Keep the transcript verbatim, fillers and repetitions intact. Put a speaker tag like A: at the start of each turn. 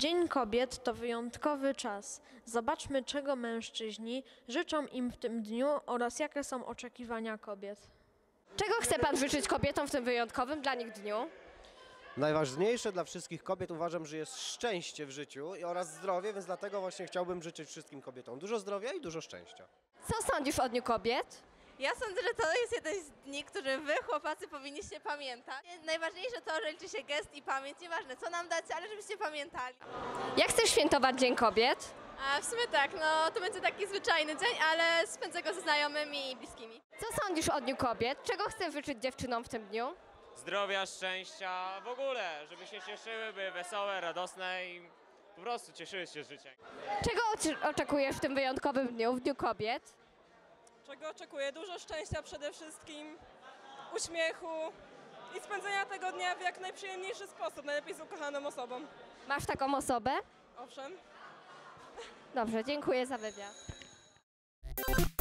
A: Dzień Kobiet to wyjątkowy czas. Zobaczmy, czego mężczyźni życzą im w tym dniu oraz jakie są oczekiwania kobiet.
B: Czego chce Pan życzyć kobietom w tym wyjątkowym dla nich dniu?
C: Najważniejsze dla wszystkich kobiet uważam, że jest szczęście w życiu oraz zdrowie, więc dlatego właśnie chciałbym życzyć wszystkim kobietom dużo zdrowia i dużo szczęścia.
B: Co sądzisz o Dniu Kobiet?
D: Ja sądzę, że to jest jeden z dni, który wy, chłopacy, powinniście pamiętać. Najważniejsze to, że liczy się gest i pamięć. Nieważne, co nam dacie, ale żebyście pamiętali.
B: Jak chcesz świętować Dzień Kobiet?
D: A w sumie tak, no to będzie taki zwyczajny dzień, ale spędzę go ze znajomymi i bliskimi.
B: Co sądzisz o Dniu Kobiet? Czego chcesz życzyć dziewczynom w tym dniu?
E: Zdrowia, szczęścia, w ogóle, żeby się cieszyły, były wesołe, radosne i po prostu cieszyły się z życia.
B: Czego oczy- oczekujesz w tym wyjątkowym dniu, w Dniu Kobiet?
F: Czego oczekuję? Dużo szczęścia przede wszystkim, uśmiechu i spędzenia tego dnia w jak najprzyjemniejszy sposób, najlepiej z ukochaną osobą.
B: Masz taką osobę?
F: Owszem.
B: Dobrze, dziękuję za wywiad.